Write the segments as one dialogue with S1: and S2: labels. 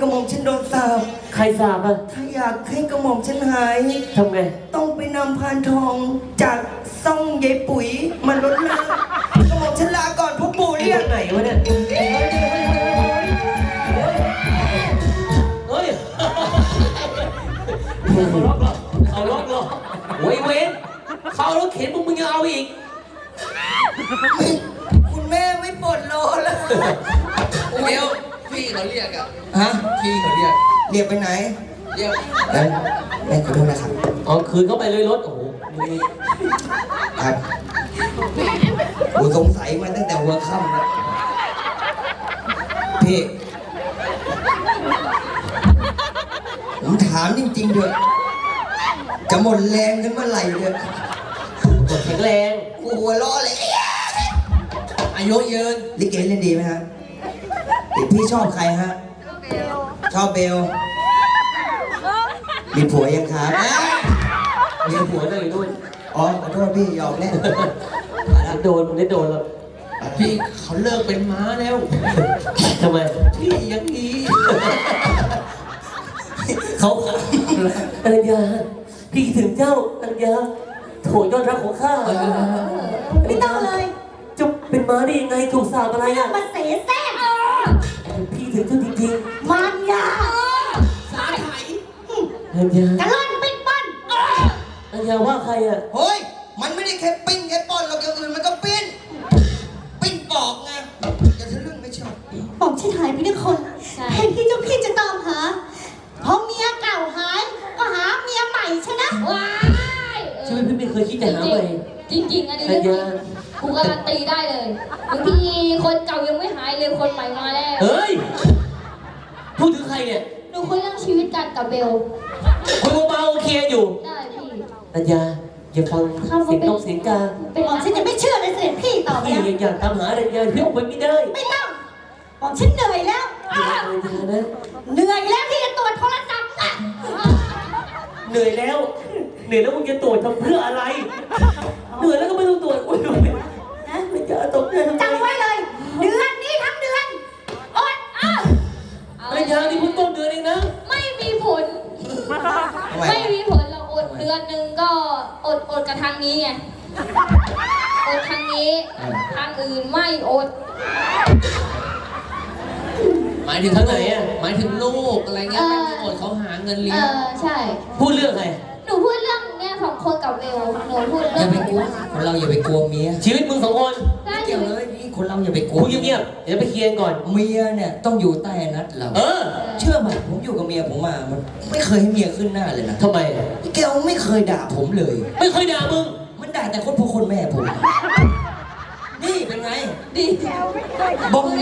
S1: ระหม่อมฉันโดนสาป
S2: ใครสาบอ่ะ
S1: ถ้าอยากให้กระหม่อมฉันหาย
S2: ทำไง
S1: ต้องไปนำพานทองจากซ่องยายปุ๋ยมาลดน้ำกระหม่อมฉันลาก่อนพ่อปู่เรียก
S2: ไหนวะเนี่ยเฮ้ยเอาล็อกเหรอโว้ยเว้นเขารถเข็นมึงยังเอาอีก
S1: คุณแม่ไม่ปวดโลแล้ว
S3: เดี๋ยวพี่เขาเรียกอะ
S1: ฮะ
S3: พี่เขาเรียก
S1: ไปไหน
S3: เรียก
S1: แม่ขอโทษนะครับ
S2: อ๋อคืนเข้าไปเลยรถโอ้โห
S1: ครับกูสงสัยมาตั้งแต่หัวค่ำแล้วพี่ผมถามจริงๆเถอะจะหมดแรงกันเมื่อไหร่เถอะ
S2: หมดแข็งแรง
S1: กูหัวล้อเลย
S3: อายุยืน
S1: ลิเกเล่นดีไหมฮะพี่ชอบใครฮะชอบเบลมีผัวยังครับ
S2: มีผัวได้ด้วย
S1: อ๋อขอโทษพี่ยอมเล่น
S2: โดนได้โดนแล้ว
S3: พี่เขาเลิกเป็นม้าแล้ว
S2: ทำไม
S3: พี่ยังงี้
S2: เขาอรัญญาพี่ถึงเจ้าอรัญญาโถยอดรักของข้า
S4: ไม่ต้องเลย
S2: จะเป็นม้าได้ยังไงถูกสาบอะไรอ่ะ
S4: มันเสแสร้ง
S2: พี่ถึงเจ้าจริง
S4: ๆมันยา
S3: สาไถ
S2: อรัญญาก
S4: ะล่อนปิ้นปั้น
S2: อรัญญาว่าใครอ่ะ
S1: เฮ้ยมันไม่ได้แค่ปิ้งแค่ป้อนเราอย่างอื่นมันก็ปิ้นปอกไงจะทะลึ่งไม่ชอบ
S4: บอกฉันหายไปด้วยคนแทนที่เจ้าพี่จะตามหาพอเมียเก่าหายก็หาเมียใหม่ใช่ไหม
S5: ว้าย
S2: ชีวิตพี่ไม่เคยคิดจะหาใหม่
S5: จริงๆอันนี้เรื่องจริงกูการันตีได้เลยบางทีคนเก่ายังไม่หายเลยคนใหม่มาแล้ว
S2: เฮ้ยพูดถึงใครเนี่ย
S5: หนูคุยเรื่องชีวิตกันกับเบล
S2: คุยเบาๆโอเคอยู่
S5: ได้พี่
S2: อรัญญาอย่าฟังเสียงนกเสียงกา
S4: บอกฉันยังไม่เชื่อเลยเสด็จพี่ต่อไป
S2: พี่ยังอยากตามหาอรัญญาพี่ออกไปไม่ได้
S4: ไม่ต้องบอกฉันเหนื่อยแล้วเหนื่อยแล้วที่จะตรวจโทรศัพท์อ่ะ
S2: เหนื่อยแล้วมึงจะตรวจทำเพื่ออะไรเหนื่อยแล้วก็ไม่ต้องตรวจอุ้ยนะไม่จะตกใจทำไม
S4: จำไว้เลยเดือนนี้ทั้งเดือนอด
S2: อรัญญานี่เพิ่งต้นเดือนเองนะ
S5: ไม่มีผลเราอดเดือนหนึ่งก็อดกับทางนี้ไงอดทางนี้ทางอื่นไม่อด
S3: หมายถึงเท่าไหร่อ่ะหมายถึงลูกอะไรเงี้ยไม่มีอดเขาหาเงินเลี้ยง
S5: ใช่
S2: พูดเรื่องอะไร
S5: หนูพูดเรื่องเนี่ย2 คนกับเบลหนูพูดเรื่อง
S1: อย่าไปกลัวคนเราอย่าไปกลัวเมีย
S2: ชีวิตมึง2 คน
S1: ไม่เกี่ยวเลยนี่คนเราอย่าไปกลัว
S2: คุยเงียบๆเดี๋ยวไปเคลียร์ก่อน
S1: เมียเนี่ยต้องอยู่ใต้นัดเราเชื่อไหมผมอยู่กับเมียผมมามันไม่เคยให้เมียขึ้นหน้าเลยนะ
S2: ทำไม
S1: แกไม่เคยด่าผมเลย
S2: ไม่เคยด่ามึง
S1: มันด่าแต่คนพ่อคนแม่ผมนี่เป็นไง
S5: ดี
S1: บอม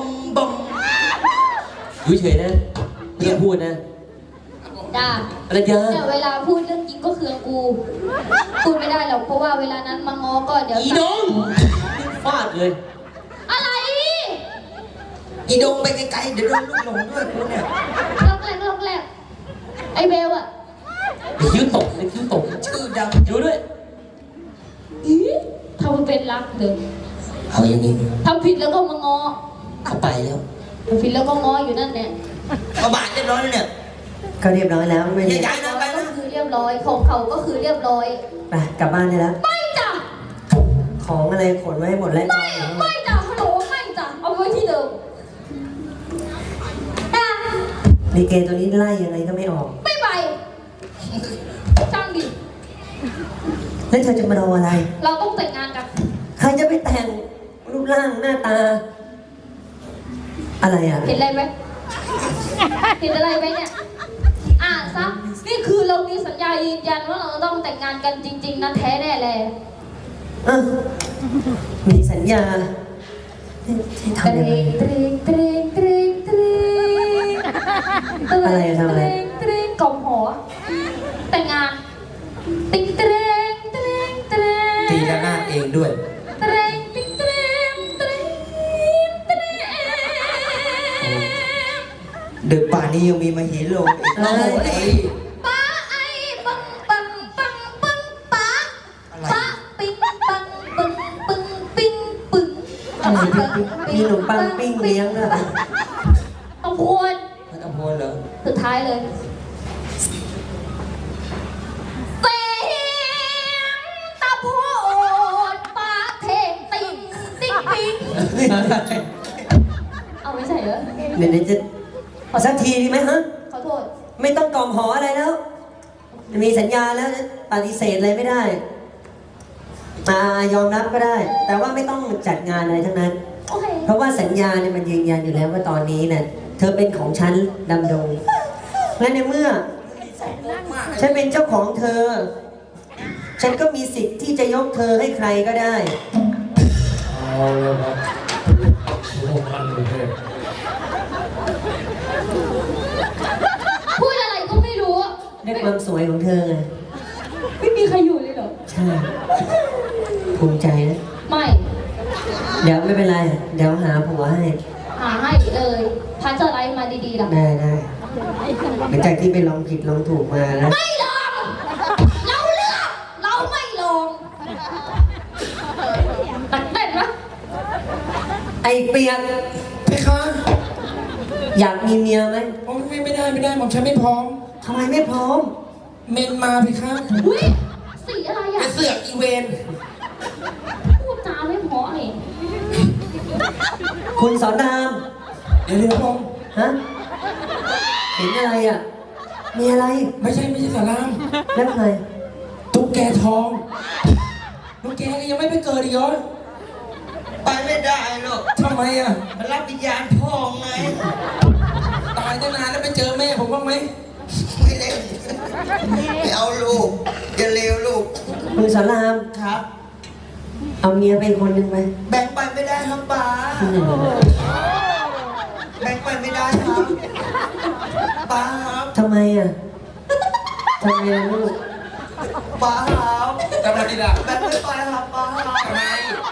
S2: อยู่เฉยนะไม่ต้องพูดนะ
S5: ด่า
S2: อรัญญา
S5: แต่เวลาพูดเรื่องจริงก็คือกูพูดไม่ได้หรอกเพราะว่าเวลานั้นมาง้อก็เดี๋ยว
S2: อีดงฟาดเลย
S5: อะไร
S1: อีดงไปไกลๆเดี๋ยวโดนลูกหลงด้วยกูเนี่ย
S5: ลอกแรกไอเบลอะ
S2: คิ้วตก
S1: ชื่อดัง
S2: อยู่ด้วย
S5: ทำเป็นรักเดิม
S1: เอาอย่างนี้
S5: ทำผิดแล้วก็มาง้อ
S1: เข้าไปแล้ว
S5: ทำผิดแล้วก็ง้ออยู่นั่นเนี่ย
S1: มาบาดเรียบร้อยแล้วเนี่ย
S4: ก็เรียบร้อยแล้วไม่
S1: ย้ายนะไป
S5: ก็คือเรียบร้อยของเขาก็คือเรียบร้อย
S4: ไปกลับบ้านได้แล้ว
S5: ไม่จ้ะ
S4: ของอะไรขนไว้หมดแล้ว
S5: ไม่จ้ะฮัลโหลไม่จ้ะเอาไว้ที่เดิม
S4: มีเกตัวนี้ไล่ยังไงก็ไม่ออก
S5: ไม่ไปช่างดิ
S4: แล้วเธอจะมารออะไร
S5: เราต้องแต่งงานกัน
S4: ใครจะไปแต่งรูปร่างหน้าตาอะไรอ่ะ
S5: เห็นอะไรไหมเนี่ยซะนี่คือเรามีสัญญายืนยันว่าเราต้องแต่งงานกันจริงๆนะแท้แน่เลย
S4: มีสัญญา
S5: ทำยังไง
S4: อะไรทำอะไร
S5: กล่อมหัวแต่งงานติ๊ง
S1: ตีละนาดเองด้วยดึกป่านนี้ยังมีมาหินลงอีก
S5: ป้าไอ้ปังป้าปิ๊งปังปิ๊งปึ้ง
S4: มีขนมปังปิ้งเลี้ยงอะ
S5: ต้องควร
S1: ต้องควรเหรอ
S5: ท้ายเลยเสียงตะโพดปาเทงติงติ๊งติ๊งเอาไม่ใช่เหรอ
S2: เดี๋ยวจะเอาสักทีดีไหมฮะ
S5: ขอโทษ
S2: ไม่ต้องกล่อมหออะไรแล้ว มีสัญญาแล้วปฏิเสธอะไรไม่ได้ยอมรับก็ได้ แต่ว่าไม่ต้องจัดงานอะไรทั้งนั้น
S5: โอเค
S2: เพราะว่าสัญญาเนี่ยมันยืนยันอยู่แล้วว่าตอนนี้เนี่ยเธอเป็นของฉันดำดง และในเมื่อ ฉันเป็นเจ้าของเธอ ฉันก็มีสิทธิ์ที่จะยกเธอให้ใครก็ได้
S3: เอาเลยครับโอ้พันเลย
S5: พูดอะไรก็ไม่รู้อะ
S2: ด้วยความสวยของเธอไง
S5: ไม่มีใครอยู่เลยเหรอ
S2: ใช่ ภูมิใจนะ
S5: ไม่
S2: เดี๋ยวไม่เป็นไร เดี๋ยวหาผัวให้
S5: หาให้เลยพัชไลฟ์มาดีๆล่ะ
S2: ได้ได้หลังจากที่ไปลองผิดลองถูกมาแล้ว
S5: ไม่ลอง เราเลือกเราไม่ลองตัดเต้นนะ
S2: ไอเปียก
S6: เพคะ
S2: อยากมีเมียไหม
S6: โอ้ไม่ได้หม่อมฉันไม่พร้อม
S2: ทำไมไม่พร้อม
S6: เมนมาเพคะ
S5: อุ้ยสีอะไร
S6: ไป
S5: อ่ะ
S6: เสือกอีเวน
S5: พูดจาไม่เพราะนี่
S2: คุณสอนราม
S6: เดี๋ยวพง
S2: ฮะ เห็นอะไรอ่ะ มีอะไร
S6: ไม่ใช่สาราม
S2: แล้วใคร
S6: ตุ๊กแกทองตุ๊กแกก็ยังไม่ไปเกิดอีกเหรอ
S1: ไปไม่ได้หรอก
S6: ทำไมอ่ะ
S1: มันรับวิญญาณพ่อไง
S6: ตายตั้งนานแล้วไปเจอแม่ผมบ้างไหม
S1: ไม่เล่นไม่เอาลูกอย่าเลวลูก
S2: คุณสอนราม
S1: ครับ
S2: เอาเมียไปคนหนึ่งไป
S1: แบ่งไปไม่ได้ครับป้าแบ่งไปไม่ได้ครับป้าครับ
S2: ทำไมอ่ะทำไมล่ะลูก
S1: ป้าครับ
S6: กำลังดีละ
S1: แบ่งไม่ไปครับป้าครับ
S6: ทำไม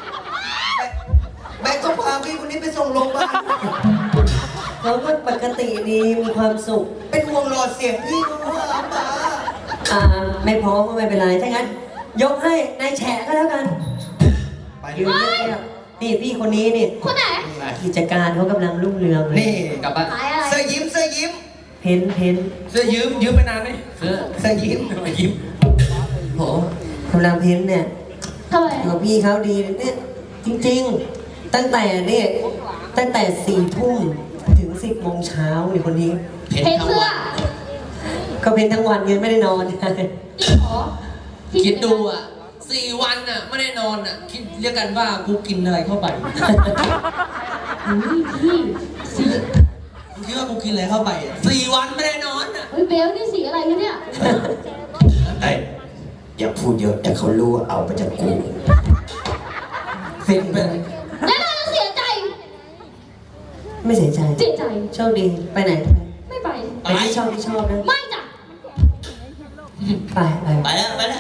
S1: แบ่งต้องพาพี่คนนี้ไปส่งโรงพยาบาล
S2: เราก็ปกติดีมีความสุข
S1: เป็นห่วงหลอดเสียงพี่เขาครับป้า
S2: ไม่พร้อมก็ไม่เป็นไร ถ้างั้น ยกให้นายแฉะก็แล้วกัน
S1: ไป
S2: ยืนเงียบๆนี่พี่คนนี้นี่
S5: คนไหน
S2: กิจการเขากำลังรุ่งเรืองเลย
S1: นี่
S6: กลับบ้าน
S5: ขายอะไร
S1: เสื้อยิ้มเสื้อยิ้ม
S2: เพ้นเพ้น
S6: เสื้อยืมไปนานไหมเสื้อ
S1: เสื้อยิ้ม
S6: มายิ้ม
S2: โหกำลังเพ้นเนี่ย
S5: ทำไม
S2: กับพี่เขาดีเนี่ยจริงๆ ตั้งแต่4 ทุ่มถึง 10 โมงเช้าในคนนี้
S5: เพนเสื้อ
S2: ก็เพ้นทั้งวันยังไม่ได้นอน
S5: จริงเหรอ
S3: คิดดูอ่ะ4 วันอ่ะไม่ได้นอนอ่ะคิดเรียกกันว่ากูกินอะไรเข้าไป
S5: อุ้ยพี่สี
S3: มึงคิดว่ากูกินอะไรเข้าไปอ่ะ4 วันไม่ได้นอนอ่ะ
S5: เฮ้ยเบลนี่สีอะไรวะเนี่ย
S1: ไอ้อย่าพูดเยอะแต่เขารู้ว่าเอาไปจากกู
S6: เซ็งไปเลย
S5: แล้วเราจะเสียใจ
S2: ไม่เสียใจ
S5: เสียใจ
S2: โชคดีไปไหน
S5: ไม่ไป
S2: ไปที่ชอบนะ
S5: ไม่จ้ะ
S2: ไป
S1: ไปแล้ว